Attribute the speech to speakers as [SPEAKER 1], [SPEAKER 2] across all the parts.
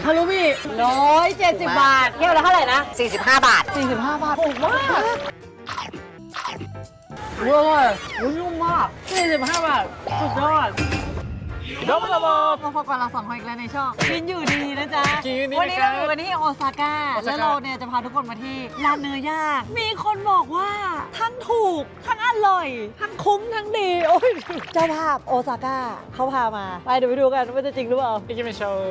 [SPEAKER 1] ฮารุมิ170 บาทแก้วละเท่าไหร่นะ
[SPEAKER 2] 45 บาท
[SPEAKER 1] 45 บาทถูกมากเวอร์นุ่มมาก45 บาทสุดยอด
[SPEAKER 3] どうもどうも
[SPEAKER 1] มาพบกับเรา2 คนอีกแล้วในช่องกินอยู่ดีนะจ๊ะ
[SPEAKER 3] กินอยู่ดี
[SPEAKER 1] วันนี้
[SPEAKER 3] นะครั
[SPEAKER 1] เรา
[SPEAKER 3] บ
[SPEAKER 1] อยู่กันที่โอซาก้าแล้วเราเนี่ยจะพาทุกคนมาที่ร้านเนื้อย่างมีคนบอกว่าทั้งถูกทั้งอร่อยทั้งคุ้มทั้งดีโอ้ยเจ้าภาพโอซาก้าเขาพามาไปเดี๋ยวไปดูกันว่าจะจริงหรือเปล่า
[SPEAKER 3] 行きましょう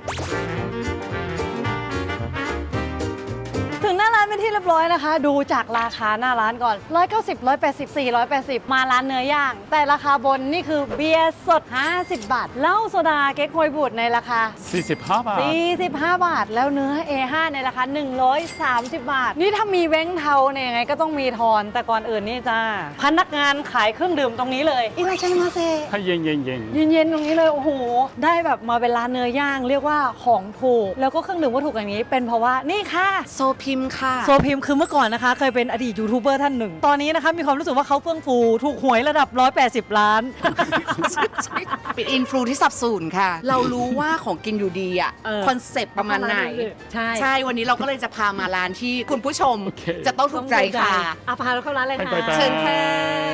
[SPEAKER 1] ถึงหน้าร้านเป็นที่เรียบร้อยนะคะ ดูจากราคาหน้าร้านก่อน190 180 480มาร้านเนื้อย่างแต่ราคาบนนี่คือเบียร์สด50 บาทเหล้าโซดาเก๊กฮวยบูดในราคา
[SPEAKER 3] 45 บาท
[SPEAKER 1] 45 บาทแล้วเนื้อ A5 ในราคา130 บาทนี่ถ้ามีแบงค์เทาเนี่ยยังไงก็ต้องมีทอนแต่ก่อนอื่นนี่จ้าพนักงานขายเครื่องดื่มตรงนี้เลยอิราชัยมาเซ
[SPEAKER 3] はいเย็น
[SPEAKER 1] เย็นๆตรงนี้เลยโอ้โหได้แบบมาเป็นร้านเนื้อย่างเรียกว่าของถูกแล้วก็เครื่องดื่มก็ถูกอย่างนี้เป็นเพราะว่านี่ค่ะ
[SPEAKER 2] โซพิมค่ะ
[SPEAKER 1] โซพิมคือเมื่อก่อนนะคะเคยเป็นอดีตยูทูบเบอร์ท่านหนึ่งตอนนี้นะคะมีความรู้สึกว่าเขาเฟื่องฟูถูกหวยระดับ180 ล้าน
[SPEAKER 2] เป็นอินฟลูที่สับสูนค่ะ เรารู้ว่าของกินอยู่ดีอ่ะคอนเซปต์ประมาณไหนใช่วันนี้เราก็เลยจะพามาร้านที่คุณผู้ชมจะต้องถูกใจค่ะ
[SPEAKER 1] พาเราเข้าร้านเลยค่ะ
[SPEAKER 2] เชิญค่ะ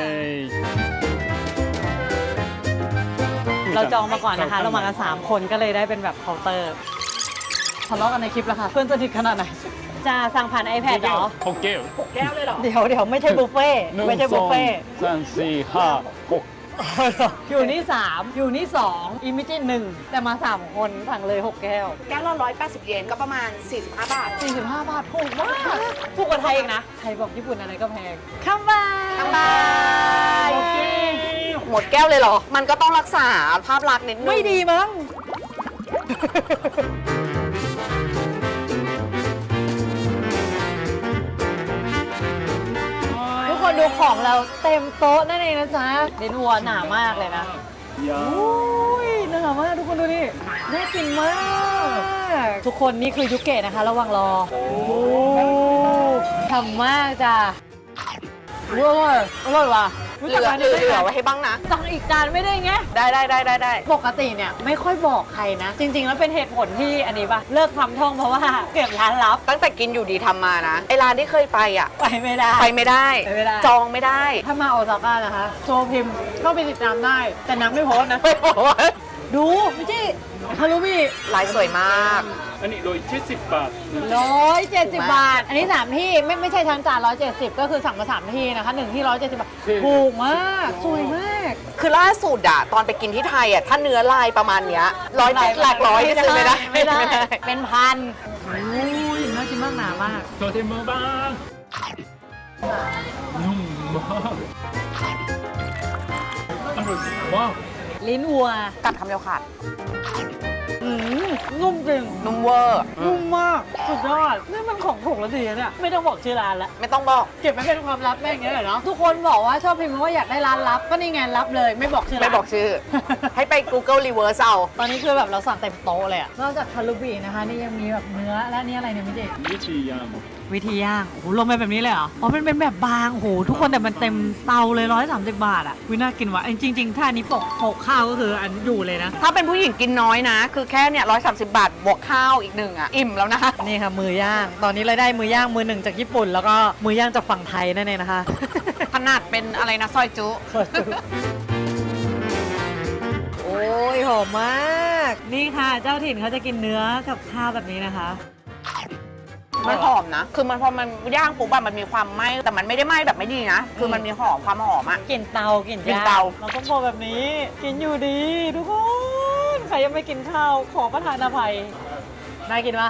[SPEAKER 1] เราจองมาก่อนนะคะเรามากัน3 คนก็เลยได้เป็นแบบเคาน์เตอร์ทะเลาะกันในคลิปแล้วค่ะเพื่อนสนิทขนาดไหนจะสั่งผ่าน iPad เหรอ
[SPEAKER 3] 6แก้ว
[SPEAKER 1] 6 แก้วเลยเหรอเดี๋ยวไม่ใช่บุฟเฟ่ไม่ใช่บุฟเฟ่
[SPEAKER 3] 3 4 5 6
[SPEAKER 1] อยู่นี่3อยู่นี่2อีมิจิ1แต่มา3 คนสั่งเลย6 แก้ว
[SPEAKER 2] แก้วละ180 เยนก็ประมาณ45 บาท
[SPEAKER 1] 45 บาทถูกมากถูกกว่าไทยอีกนะไทยบอกญี่ปุ่นอะไรก็แพงคัมบาย
[SPEAKER 2] หมดแก้วเลยเหรอมันก็ต้องรักษาภาพลักษณ์นิดนึง
[SPEAKER 1] ไม่ดีมั้งทุกคนดูของเราเต็มโต๊ะนั่นเองนะจ๊ะเดนวัวหนามากเลยนะอุ้ยหนามากทุกคนดูดิน่ากินมากทุกคนนี่คือยุเกะนะคะระวังรอโอ้ทำมากจ้ะว้าวอร่อยว่ะ
[SPEAKER 2] เหลือไว้ให้บ้างนะ
[SPEAKER 1] สั่งอีกจานไม่ได้ไง
[SPEAKER 2] ได้
[SPEAKER 1] ปกติเนี่ยไม่ค่อยบอกใครนะ จริงๆแล้วเป็นเหตุผลที่อันนี้ป่ะเลิกทำท่องเพราะว่าเก็บร้านลับ
[SPEAKER 2] ตั้งแต่กินอยู่ดีทำมานะไอร้านที่เคยไปอ่ะ
[SPEAKER 1] ไปไม่ได้
[SPEAKER 2] จองไม่ได้
[SPEAKER 1] ถ้ามาโอซาก้านะคะโซพิมเข้าไปติดตามได้แต่นักไม่โพสนะดูไม่ใช่ฮารุมิ
[SPEAKER 2] ลายสวยมาก
[SPEAKER 3] อันนี้170 บาท
[SPEAKER 1] 170 บาทอันนี้3ที่ไม่ใช่ทั้งจาน170ก็คือสั่งมา3ที่นะคะ1ที่170 บาทถูกมากสวยมาก
[SPEAKER 2] คือล่าสุดอะตอนไปกินที่ไทยอะถ้าเนื้อลายประมาณเนี้ยหลักร้อยซื้อไม่ได้
[SPEAKER 1] เป็นพันอุ้ยน่ากินมากหนามาก
[SPEAKER 3] とてもバーนุ่มมากอร่อยมาก
[SPEAKER 1] ลิ้นวัว
[SPEAKER 2] กัดคำเดียวขาด
[SPEAKER 1] นุ่มจริง
[SPEAKER 2] นุ่มเวอร์
[SPEAKER 1] นุ่มมากสุดยอดนี่มันของถูกแล้วดีนะเนี่ยไม่ต้องบอกชื่อร้านแล้ว
[SPEAKER 2] ไม่ต้องบอก
[SPEAKER 1] เก็บไว้เป็นความลับแม่งเงี้ยเหรอทุกคนบอกว่าชอบพิมพ์ว่าอยากได้ร้านลับก็นี่ไงลับเลยไม่บอกชื่อ
[SPEAKER 2] ไม่บอกชื่อ ให้ไป Google Reverse เอา
[SPEAKER 1] ตอนนี้คือแบบเราสั่งเต็มโต๊ะเลยอะนอกจากคารุบินะคะนี่ยังมีแบบเนื้อและนี่อะไรเนี่ยมิจิวิธีย่างโอ้โหลงไปแบบนี้เลยเหรออ๋อมันเป็นแบบบางโอ้โหทุกคนแต่มันเต็มเตาเลย130 บาทอะวิน่ากินว่ะจริงๆถ้านี้ปกข้าวก็คืออันอยู่เลยนะ
[SPEAKER 2] ถ้าเป็นผู้หญิงกินน้อยนะคือแค่เนี่ย130 บาทบวกข้าวอีก1อะอิ่มแล้วนะ
[SPEAKER 1] นี่ค่ะมือย่างตอนนี้เราได้มือย่างมือ1จากญี่ปุ่นแล้วก็มือย่างจากฝั่งไทยนั่นเองนะคะ
[SPEAKER 2] ขนาดเป็นอะไรนะซอยจุ
[SPEAKER 1] โอ้ยหอมมากนี่ค่ะเจ้าถิ่นเขาจะกินเนื้อกับข้าวแบบนี้นะคะ
[SPEAKER 2] มันหอมนะคือมันพอมันย่างปุ๊บแบบมันมีความไหม้แต่มันไม่ได้ไหม้แบบไม่ดีนะคือมันมีความหอมอะ
[SPEAKER 1] กลิ่นเตากลิ่นเตาเราต้องบอกแบบนี้กินอยู่ดีทุกคนใครยังไม่กินข้าวขอประทานอภัยน่ากินปะ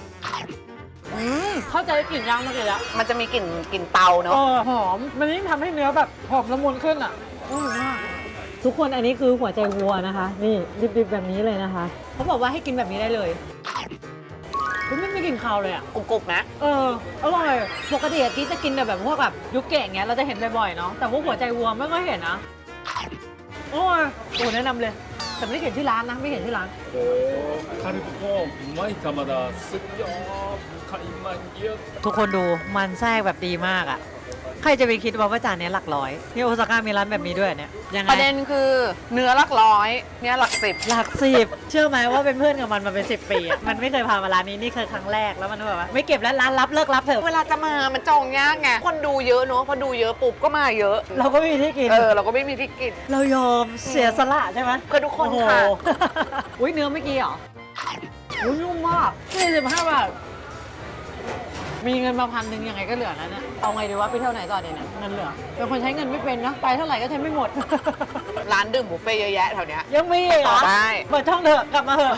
[SPEAKER 1] เข้าใจกลิ่นย่างเมื่อกี้แล้ว
[SPEAKER 2] มันจะมีกลิ่นเตาเนาะ
[SPEAKER 1] หอมมันยิ่งทำให้เนื้อแบบหอมละมุนขึ้นอ่ะทุกคนอันนี้คือหัวใจวัวนะคะนี่ดิบๆแบบนี้เลยนะคะเขาบอกว่าให้กินแบบนี้ได้เลยไม่กินข้าวเลยอ่ะ
[SPEAKER 2] กรุบๆนะ
[SPEAKER 1] อร่อยปกติกิ๊กจะกินแบบพวกแบบยุกเกะอย่างเงี้ยเราจะเห็นบ่อยๆเนาะแต่พวกหัวใจวัวไม่ค่อยเห็นนะโอ้แนะนำเลยแต่ไม่ได้เขียนชื่อร้านนะไม่เขียนชื่อร้าน
[SPEAKER 3] โอ้คาริบุโกะไม่ธรรมดาสุดยอดไขมันเยอะ
[SPEAKER 1] ทุกคนดูมันแทรกแบบดีมากอ่ะใครจะไปคิดว่าจานเนี้ยหลักร้อยที่โอซาก้ามีร้านแบบนี้ด้วยเนี่ยยังไง
[SPEAKER 2] ประเด็นคือเนื้อหลักร้อยเนี่ยหลักสิบ
[SPEAKER 1] หลักสิบเชื่อไหมว่าเป็นเพื่อนกับมันมาเป็น10 ปีอะมันไม่เคยพามาร้านนี้นี่คือครั้งแรกแล้วมันแบบว่าไม่เก็บแล้วร้านรับเลิกรับเถอะ
[SPEAKER 2] เวลาจะมามันจองยากไงคนดูเยอะเนอะพอดูเยอะปุ๊บก็มาเยอะ
[SPEAKER 1] เราก็ไม่มีที่กิน
[SPEAKER 2] เราก็ไม่มีที่กิน
[SPEAKER 1] เรายอมเสียสละใช่ไหม
[SPEAKER 2] เพื่อทุกคนค่ะ
[SPEAKER 1] โอ้โห อุ้ยเนื้อเมื่อกี้เหรออุ้ยนุ่มมาก45 บาทมีเงินมา1,000ยังไงก็เหลือนะเนี่ยเอาไงดีวะไปเที่ยวไหนต่อเนี่ยเงินเหลือเป็นคนใช้เงินไม่เป็นนะไปเท่าไหร่ก็ใช้ไม่หมด
[SPEAKER 2] ร้านดื่มบุฟเฟ่ต์เยอะแยะแถวเนี้ย
[SPEAKER 1] ยังมีอีกเหรอ
[SPEAKER 2] ได้
[SPEAKER 1] เปิดช่องเถอะกลับมาเถอะ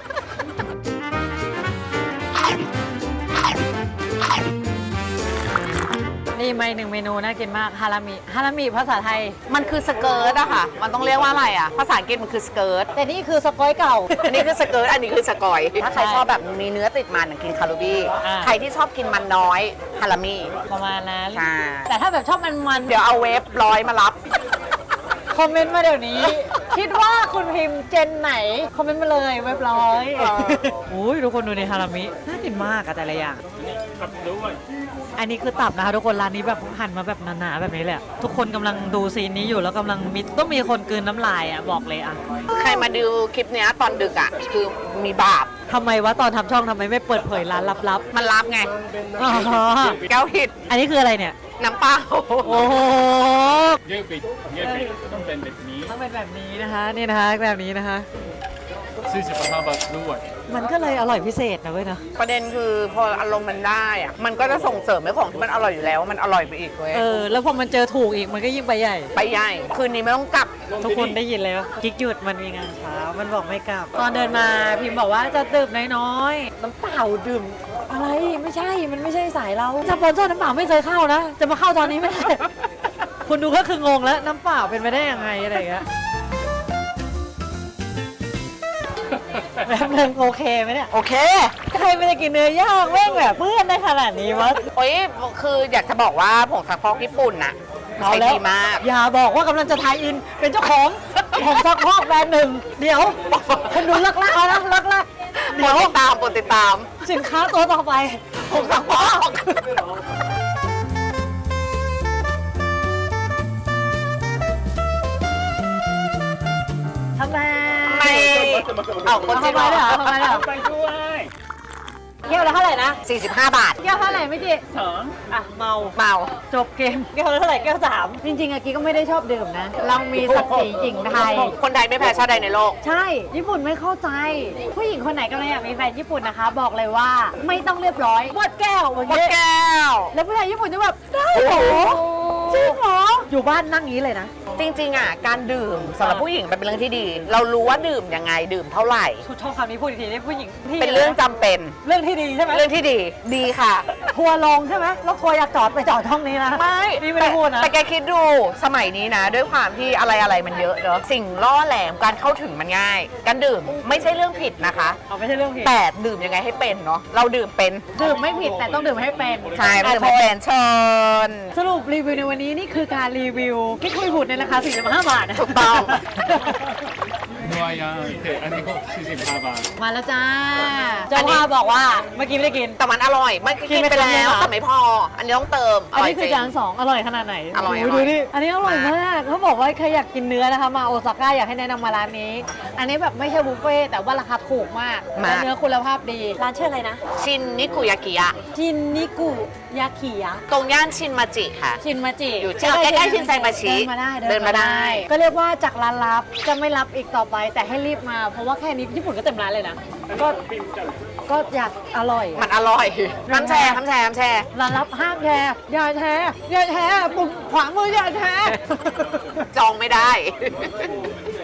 [SPEAKER 1] นี่มาอีกหนึ่งเมนูน่ากินมากฮารามิภาษาไทย
[SPEAKER 2] มันคือสเกิร์ตอะค่ะ มันต้องเรียกว่าอะไรอะภาษาอังกฤษมันคือสเกิร์ต
[SPEAKER 1] แต่นี่คือสกอยเก่า
[SPEAKER 2] อันนี้คือสเกิร์ต อันนี้คือสกอย ถ้าใคร
[SPEAKER 1] ใช่
[SPEAKER 2] ชอบแบบมีเนื้อติดมันกินคารูบี้
[SPEAKER 1] อ่า
[SPEAKER 2] ใครที่ชอบกินมันน้อยฮารามิ
[SPEAKER 1] ประมาณนั้น
[SPEAKER 2] ใช่
[SPEAKER 1] แต่ถ้าแบบชอบมัน
[SPEAKER 2] เดี๋ยวเอาเวฟร้อยมารับ
[SPEAKER 1] คอมเมนต์มาเดี๋ยวนี้ คิดว่าคุณพิมพ์เจนไหน คอมเมนต์มาเลยเว็บร้อยอุ้ยทุกคนดูในฮารามิน่ากินมากอะแต่ละอย่าง
[SPEAKER 3] ขับด้วย
[SPEAKER 1] อันนี้คือตับนะคะทุกคนร้านนี้แบบหั่นมาแบบหนาๆแบบนี้แหลยอะทุกคนกำลังดูซีนนี้อยู่แล้วกำลังต้องมีคนกลืนน้ำลายอะบอกเลยอะ
[SPEAKER 2] ใครมาดูคลิปเนี้ยตอนดึกอะคือมีบาป
[SPEAKER 1] ทำไมวะตอนทำช่องทำไมไม่เปิดเผยร้านลับ
[SPEAKER 2] มันรับไง
[SPEAKER 1] ๆอ๋อ
[SPEAKER 2] แก้วผิด
[SPEAKER 1] อันนี้คืออะไรเนี่ย
[SPEAKER 2] น้ำเปล่า
[SPEAKER 1] โอ้โห
[SPEAKER 3] เยอะปิดต้องเป็นแบบนี้
[SPEAKER 1] ต้องเป็นแบบนี้นะคะนี่นะคะแบบนี้นะคะ
[SPEAKER 3] 45 บาทด้วย
[SPEAKER 1] มันก็เลยอร่อยพิเศษนะเว้ยนะ
[SPEAKER 2] ประเด็นคือพออารมณ์มันได้อะมันก็จะส่งเสริมให้ของที่มันอร่อยอยู่แล้วมันอร่อยไปอีกเว้ย
[SPEAKER 1] แล้วพอมันเจอถูกอีกมันก็ยิ่งไปใหญ่
[SPEAKER 2] ไปใหญ่คืนนี้ไม่ต้องกลับ
[SPEAKER 1] ทุกคนได้ยินเลยว่ากิ๊กหยุดมันมีงานเช้ามันบอกไม่กลับ ตอนเดินมาพิมพ์บอกว่าจะดื่มน้อยๆน้ำเปล่าดื่มอะไรไม่ใช่มันไม่ใช่สายเราสปอนเซอร์น้ำเปล่าไม่เคยเข้านะจะมาเข้าตอนนี้ไม่ได้ คุณดูก็คืองงแล้วน้ำเปล่าเป็นไปได้ยังไงอะไรอย่างเงี้ยแบบนึงโอเคไหมเนี่ย
[SPEAKER 2] โอเค
[SPEAKER 1] ใครไม่ได้กินเนื้อย่างแม่งแบบเพื่อนได้ขนาดนี้วะ
[SPEAKER 2] โอ้ยคืออยากจะบอกว่าผงซักฟอกญี่ปุ่นน่ะใช้ดีมาก
[SPEAKER 1] อย่าบอกว่ากำลังจะทายอินเป็นเจ้าของ ของซักพอกแบรนด์หนึ่งเดี๋ยวคุณดูลักๆนะลักๆ
[SPEAKER 2] โปร
[SPEAKER 1] เดี๋ยว
[SPEAKER 2] ดติดตามโปรดติดตาม
[SPEAKER 1] สินค้าตัวต่อไป
[SPEAKER 2] ผงซักฟอก
[SPEAKER 1] ทำไม
[SPEAKER 2] ไม่เอาคนจีน
[SPEAKER 1] ทำไมเหรอทำไมเหรอ
[SPEAKER 3] ไปด้วย
[SPEAKER 1] แก้วละเท่าไหร่นะ
[SPEAKER 2] 45 บาท
[SPEAKER 1] แก้วเท่าไหร่ไม่จี
[SPEAKER 3] สอง
[SPEAKER 1] อ่ะเมา
[SPEAKER 2] เมา
[SPEAKER 1] จบเกมแก้วละเท่าไหร่แก้ว3จริงๆอากี้ก็ไม่ได้ชอบดื่มนะ เรามีศักดิ์ศรีหญิงไทย
[SPEAKER 2] คนไทยไม่แพ้ชาติใดในโลก
[SPEAKER 1] ใช่ ญี่ปุ่นไม่เข้าใจ ผู้หญิงคนไหนกำลังอยากมีแฟนญี่ปุ่นนะคะ บอกเลยว่าไม่ต้องเรียบร้อยหมดแก้วอย่าง
[SPEAKER 2] หมด
[SPEAKER 1] เงี้ย
[SPEAKER 2] แก้ว
[SPEAKER 1] แล้วผู้ชายญี่ปุ่นจะแบบได้เหรอจริงเหรออยู่บ้านนั่งอย่างนี้เลยนะ
[SPEAKER 2] จริงๆอ่ะการดื่มสำหรับผู้หญิงมันเป็นเรื่องที่ดี เรารู้ว่าดื่มยังไงดื่มเท่าไหร่
[SPEAKER 1] ชุดชอบคำนี้พูดอีกทีได้ผู้หญิงที่
[SPEAKER 2] เป็นเรื่องจำเป็น
[SPEAKER 1] เรื่องที่ดีใช่ไหม
[SPEAKER 2] เรื่องที่ดีดีค่ะ
[SPEAKER 1] ทัวร์ลงใช่ไหมแล้วทัวร์อยากจอดไปจอดห้องนี้นะ
[SPEAKER 2] ไม่
[SPEAKER 1] นี่ไม่ได้พูดนะ
[SPEAKER 2] แต่แกคิดดูสมัยนี้นะ ด้วยความที่อะไรมันเยอะเนอะสิ่งล่อแหลมการเข้าถึงมันง่าย การดื่มไม่ใช่เรื่องผิดนะคะ
[SPEAKER 1] เอาไม่ใช่เรื่องผิด
[SPEAKER 2] แต่ดื่มยังไงให้เป็นเนาะเราดื่มเป็น
[SPEAKER 1] ดื่มไม่ผิดแต่ต้องดื่มให้เป็น
[SPEAKER 2] ใช่ไม่ดื่มให้เป็นเชิญ
[SPEAKER 1] สรุปรีวิวในวันนี้นี่คือการรีวิวกิ๊กคุยบุตรในราคา45 บาทนะ
[SPEAKER 2] ถูกต้อง
[SPEAKER 3] นัวยางแต่อันนี้ก็45 บาท
[SPEAKER 1] มาแล้วจ้าเจ้าว่าบอกว่าเมื่อกี้ไม่ได้กิน
[SPEAKER 2] แต่มันอร่อยมันกินไปแล้วแต่ไม่พอ อันนี้ต้องเติม
[SPEAKER 1] อันนี้คือ
[SPEAKER 2] ร่ยจริง
[SPEAKER 1] จาน2อร่อยขนาดไหน
[SPEAKER 2] อร่อย
[SPEAKER 1] โโห
[SPEAKER 2] อร่อย
[SPEAKER 1] ดูดิอันนี้อร่อยมากเขาบอกว่าใครอยากกินเนื้อนะคะมาโอซาก้าอยากให้แนะนำมาร้านนี้ อันนี้แบบไม่ใช่บุฟเฟ่ต์แต่ว่าราคาถูกมากและเนื้อคุณภาพดีร้านชื่ออะไรนะ
[SPEAKER 2] ชินนิกุยากิยะ
[SPEAKER 1] ชินนิกุยากิยะ
[SPEAKER 2] ตรงย่านชินมาจิค่ะ
[SPEAKER 1] ชินมาจิ
[SPEAKER 2] อยู่ใกล้ๆชินไซมาชิ
[SPEAKER 1] เดินมาได้
[SPEAKER 2] เดินมาได้
[SPEAKER 1] ก็เรียกว่าจากร้านลับจะไม่รับอีกต่อไป แต่ให้รีบมา เพราะว่าแค่นี้ญี่ปุ่นก็เต็มร้านเลยนะก็อยากอร่อย
[SPEAKER 2] มันอร่อยน้ำแชร์น้ำแชร์น้ำแชร์
[SPEAKER 1] ร้านรับห้ามแชร์อย่าแชร์อย่าแชร์ปุ่มขวามืออย่าแชร์
[SPEAKER 2] จองไม่ได้